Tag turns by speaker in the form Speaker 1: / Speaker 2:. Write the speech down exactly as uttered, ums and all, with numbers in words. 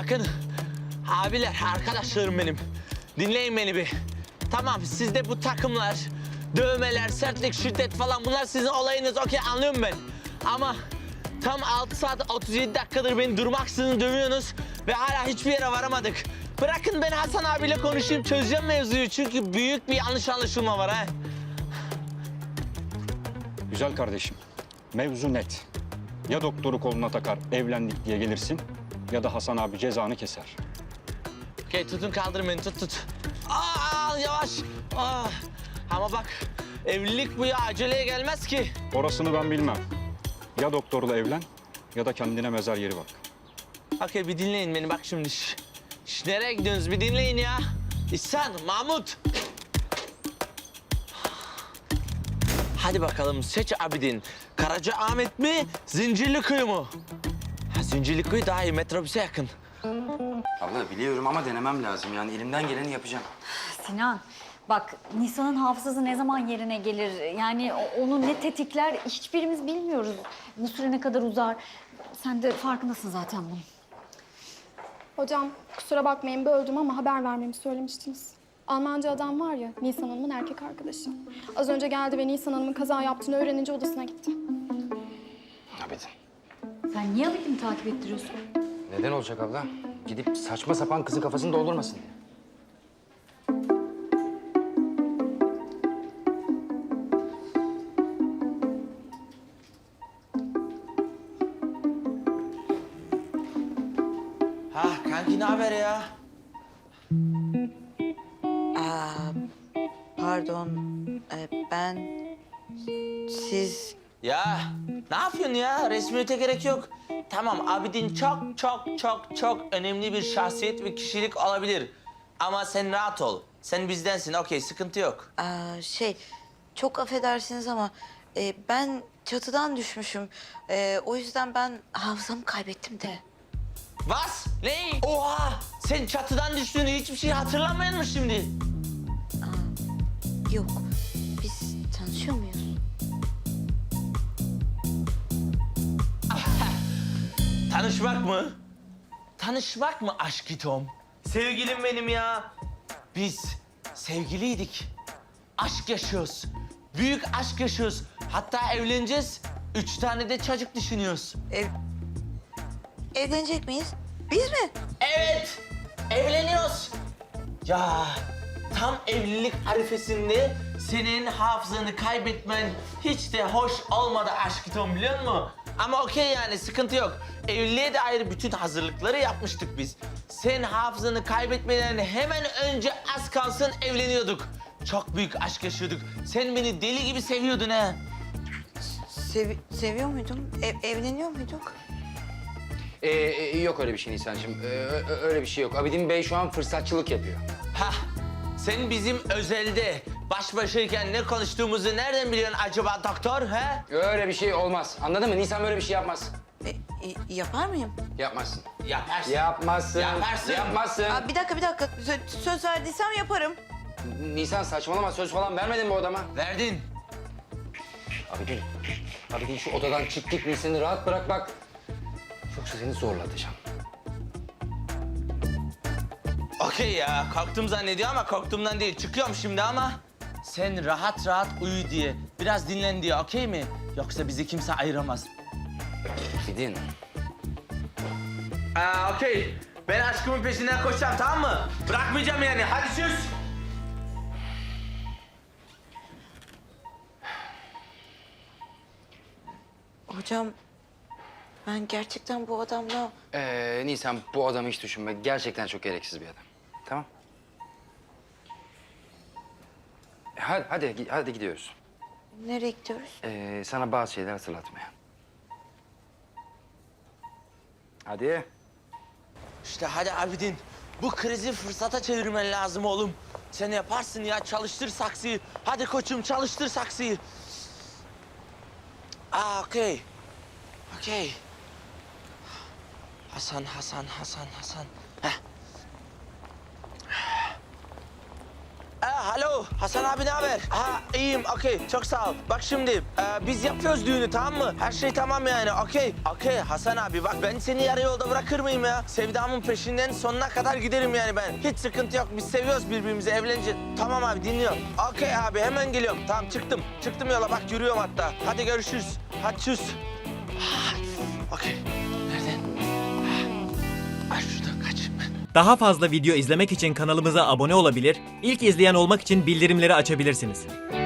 Speaker 1: Bakın abiler, arkadaşlarım benim. Dinleyin beni bir. Tamam, sizde bu takımlar, dövmeler, sertlik, şiddet falan bunlar sizin olayınız. Okey, anlıyorum ben. Ama tam altı saat otuz yedi dakikadır beni durmaksızın dövüyorsunuz ve hala hiçbir yere varamadık. Bırakın ben Hasan abiyle konuşayım, çözeceğim mevzuyu. Çünkü büyük bir yanlış anlaşılma var ha.
Speaker 2: Güzel kardeşim, mevzu net. Ya doktoru koluna takar, evlendik diye gelirsin ya da Hasan abi cezanı keser.
Speaker 1: Okey, tutun, kaldırın beni, tut tut. Aa, yavaş. Aa. Ama bak, evlilik bu ya, aceleye gelmez ki.
Speaker 2: Orasını ben bilmem. Ya doktorla evlen ya da kendine mezar yeri bak.
Speaker 1: Okey, bir dinleyin beni bak şimdi. Şş, şş, nereye gidiyorsunuz? Bir dinleyin ya. İhsan, Mahmut. Hadi bakalım, seç Abidin. Karacaahmet mi, Zincirlikuyu mu? Ha, Zincirlikuyu daha iyi, metrobüse yakın.
Speaker 3: Abla biliyorum ama denemem lazım. Yani elimden geleni yapacağım.
Speaker 4: Sinan, bak Nisan'ın hafızası ne zaman yerine gelir? Yani o- onu ne tetikler hiçbirimiz bilmiyoruz. Bu süre ne kadar uzar? Sen de farkındasın zaten bunun.
Speaker 5: Hocam kusura bakmayın böldüm ama haber vermemi söylemiştiniz. Almanca adam var ya, Nisan Hanım'ın erkek arkadaşı. Az önce geldi ve Nisan Hanım'ın kaza yaptığını öğrenince odasına gitti.
Speaker 3: Abidin.
Speaker 4: Sen niye Abidin'i takip ettiriyorsun?
Speaker 3: Neden olacak abla? Gidip saçma sapan kızın kafasını doldurmasın diye.
Speaker 1: Ha, kanki ne haber ya?
Speaker 6: Pardon, e, ben... Siz...
Speaker 1: Ya ne yapıyorsun ya? Resmiyete gerek yok. Tamam, Abidin çok çok çok çok önemli bir şahsiyet ve kişilik olabilir. Ama sen rahat ol. Sen bizdensin, okey, sıkıntı yok.
Speaker 6: aa, şey, çok affedersiniz ama... e, ben çatıdan düşmüşüm. E, o yüzden ben hafızamı kaybettim de.
Speaker 1: Vas? Ne? Oha! Sen çatıdan düştüğünü hiçbir şey hatırlamıyor musun şimdi?
Speaker 6: Yok, biz tanışıyor muyuz?
Speaker 1: Tanışmak mı? Tanışmak mı aşk Tom? Sevgilim benim ya. Biz sevgiliydik. Aşk yaşıyoruz. Büyük aşk yaşıyoruz. Hatta evleneceğiz. Üç tane de çocuk düşünüyoruz.
Speaker 6: Ev... Evlenecek miyiz? Biz mi?
Speaker 1: Evet, evleniyoruz. Ya tam evlilik arifesinde senin hafızanı kaybetmen hiç de hoş olmadı aşk Tom, biliyor musun? Ama okey, yani sıkıntı yok. Evliliğe dair bütün hazırlıkları yapmıştık biz. Sen hafızanı kaybetmeden hemen önce az kalsın evleniyorduk. Çok büyük aşk yaşıyorduk. Sen beni deli gibi seviyordun ha.
Speaker 6: Sevi seviyor muydum? Ev evleniyor muyduk?
Speaker 3: Ee, e, yok öyle bir şey Nisan'cığım. Ee, ö- ö- öyle bir şey yok. Abidin Bey şu an fırsatçılık yapıyor.
Speaker 1: Hah, sen bizim özelde baş başayken ne konuştuğumuzu nereden biliyorsun acaba doktor, ha?
Speaker 3: Öyle bir şey olmaz. Anladın mı? Nisan böyle bir şey yapmaz.
Speaker 6: E, e, yapar mıyım?
Speaker 3: Yapmazsın.
Speaker 1: Yaparsın.
Speaker 3: Yapmazsın.
Speaker 1: Yaparsın.
Speaker 3: Yapmazsın.
Speaker 6: Aa, bir dakika, bir dakika. Sö- söz verdiysem yaparım.
Speaker 3: Nisan saçmalama. Söz falan vermedin bu adama.
Speaker 1: Verdin.
Speaker 3: Abidin. Abidin şu odadan çık git. Nisan'ı rahat bırak bak. Yoksa seni zorlatacağım.
Speaker 1: Okey ya, korktum zannediyor ama korktuğumdan değil. Çıkıyorum şimdi ama sen rahat rahat uyu diye, biraz dinlen diye, okey mi? Yoksa bizi kimse ayıramaz.
Speaker 3: Abidin.
Speaker 1: Aa, okey. Ben aşkımın peşinden koşacağım, tamam mı? Bırakmayacağım yani. Hadi sus.
Speaker 6: Hocam, ben gerçekten bu adamla...
Speaker 3: Ee, Nisan bu adamı hiç düşünme. Gerçekten çok gereksiz bir adam. Tamam. E, Hadi, hadi, gi- hadi gidiyoruz.
Speaker 6: Nereye gidiyoruz?
Speaker 3: Ee, sana bazı şeyler hatırlatmaya. Hadi.
Speaker 1: İşte hadi Abidin. Bu krizi fırsata çevirmen lazım oğlum. Sen yaparsın ya, çalıştır saksıyı. Hadi koçum, çalıştır saksıyı. Aa, okey. Okey. Hasan, Hasan, Hasan, Hasan. Heh. Aa, Alo Hasan abi ne haber? Ha iyiyim okey çok sağ ol. Bak şimdi e, biz yapıyoruz düğünü tamam mı? Her şey tamam yani okey. Okey Hasan abi bak ben seni yarı yolda bırakır mıyım ya? Sevdamın peşinden sonuna kadar giderim yani ben. Hiç sıkıntı yok biz seviyoruz birbirimizi evleneceğiz. Tamam abi dinliyorum. Okey abi hemen geliyorum. Tamam çıktım. Çıktım yola bak yürüyorum hatta. Hadi görüşürüz. Hadi çüz. Okey. Nereden? Ay şuradan kaçayım ben.
Speaker 7: Daha fazla video izlemek için kanalımıza abone olabilir, ilk izleyen olmak için bildirimleri açabilirsiniz.